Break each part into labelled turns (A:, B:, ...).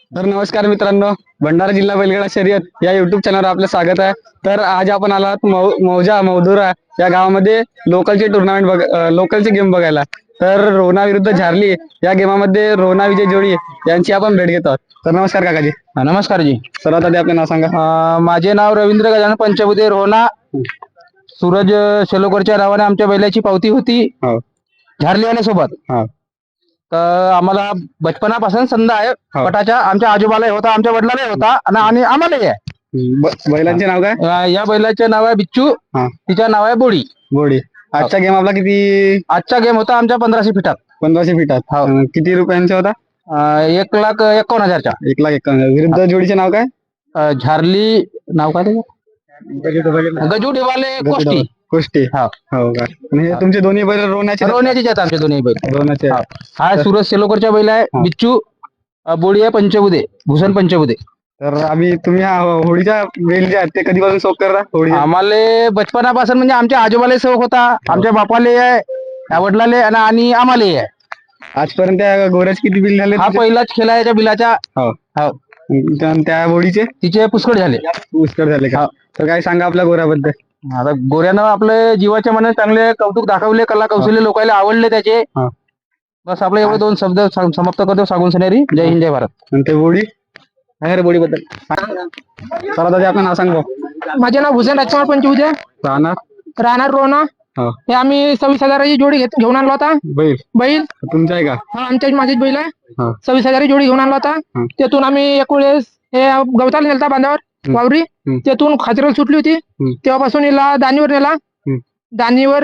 A: तर नमस्कार मित्रांनो, भंडारा जिल्हा बैलगाडा शर्यत या युट्यूब चॅनलवर आपलं स्वागत आहे. तर आज आपण आलात मौजा मौदुरा या गावामध्ये लोकलचे टुर्नामेंट लोकलचे गेम बघायला. तर रोना विरुद्ध झारली या गेमामध्ये रोना विजय जोडी यांची आपण भेट घेतो. तर नमस्कार काकाजी.
B: नमस्कार जी.
A: सर्वात आधी आपले नाव सांगा.
B: माझे नाव रवींद्र गजानन पंचबुधे रोना. सूरज शेलोकरच्या नावाने आमच्या बैलाची पावती होती
A: हो
B: झारलीवाल्यासोबत.
A: हो
B: तर आम्हाला बचपनापासून संध आहे पटाच्या. आमच्या आजोबालाही होता, आमच्या वडिलालाही होता आणि आम्हालाही आहे.
A: बैलांचे नाव काय?
B: या बैलाचे नाव आहे बिच्चू, तिच्या नाव आहे बोडी.
A: बोडी. आजचा गेम आपला किती?
B: आजचा गेम होता आमच्या 1500 फीटात.
A: 1500 फीटात. किती रुपयांचा होता?
B: 1,51,000चा.
A: 1,51,000. विरुद्ध जोडीचे नाव काय?
B: झारली नाव काय त्याचं? गजू डिवाले कोष्टी.
A: कुस्ती. हो का? आणि हे तुमचे दोन्ही बैल रोण्याचे
B: आहेत आमचे दोन्ही बैल.
A: रोण्याचे.
B: हा सूरज शेलोकरच्या बैल आहे बिच्चू. बोडी आहे पंचबुधे, भूषण पंचबुधे.
A: तर तुम्ही हा होळीच्या बैल जे आहेत ते कधीपासून शौक करता होळी?
B: आम्हाला बचपनापासून म्हणजे आमच्या आजोबाला शौक होता, आमच्या बापाले आहे, वडिलाले आणि आम्हालाही आहे.
A: आजपर्यंत त्या गोऱ्याचे किती बिल झाले?
B: हा पहिलाच खेळ आहे याच्या बिलाच्या.
A: हो. त्या होळीचे
B: तिचे पुष्कळ झाले.
A: पुष्कळ झाले का? तर काय सांगा आपल्या गोऱ्याबद्दल?
B: आता गोऱ्यानं आपले जीवाच्या मनाने चांगले कौतुक दाखवले, कला कौशल्य लोकांना आवडले त्याचे. बस आपले एवढे दोन शब्द समाप्त करतो सांगून सनेरी. जय हिंद जय भारत.
A: आणि ते बोडी
B: बोडी बद्दल
A: चला दादा आपलं नाव सांग.
C: माझे नाव भूषण राजकुमार पंचबुधे, राहणार रोना. हे आम्ही 26,000ची जोडी घेऊन आणला होता. बैल
A: तुमचा आहे का?
C: हा आमच्या माझीच बैल आहे. 26,000ची जोडी घेऊन आणला होता. त्यातून आम्ही एक वेळेस हे गवताला नेलता बांधावर वावरी. त्यातून खाचरल सुटली होती. तेव्हापासून हिला दानीवर नेला. दानीवर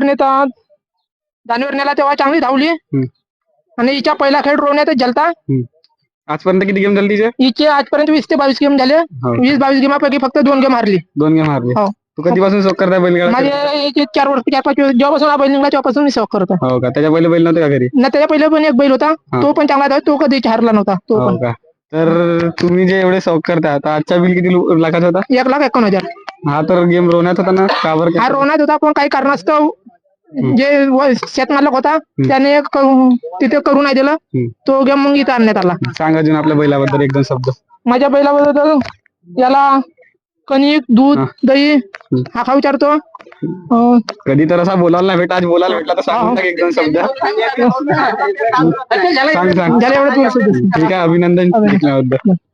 C: नेला तेव्हा चांगली धावली. आणि हिच्या पहिला खेळ रोवण्यातच झालता.
A: आजपर्यंत किती गेम झाले तिचे?
C: हिचे आजपर्यंत 20 ते 22 गेम झाले. 20-22 गेमापैकी फक्त 2 गेम हारली.
A: 2 गेम हारली. तू कधीपासून शौक करताय बैलगाडा?
C: माझे 4-5 जेव्हापासून हा बैल निघाला तेव्हापासून मी शौक करतो.
A: हो का? त्याच्या बैल नव्हते का घरी?
C: ना त्याच्या पहिले पण एक बैल होता, तो पण चांगला होता. तो कधी हारला नव्हता तो पण.
A: तर तुम्ही जे एवढे शौक करता आता आजचा बिल किती लाखाचा होता?
C: 1,51,000.
A: हा तर गेम रोवण्यात होता ना? का बरं?
C: हा रोवण्यात होता पण काही कारणास्तव जे शेतमालक होता त्याने तिथे करू नाही दिलं. तो गेम मग इथं आणण्यात आला.
A: सांगा अजून आपल्या बैलाबद्दल 1-2 शब्द.
C: माझ्या बैलाबद्दल याला कणिक, दूध, दही हा खा विचारतो.
A: कधी तर असा बोलायला नाही भेटा, आज बोलायला भेटला तर सांग 1-2 शब्द. सांग.
C: झालं एवढं.
A: ठीक आहे, अभिनंदन.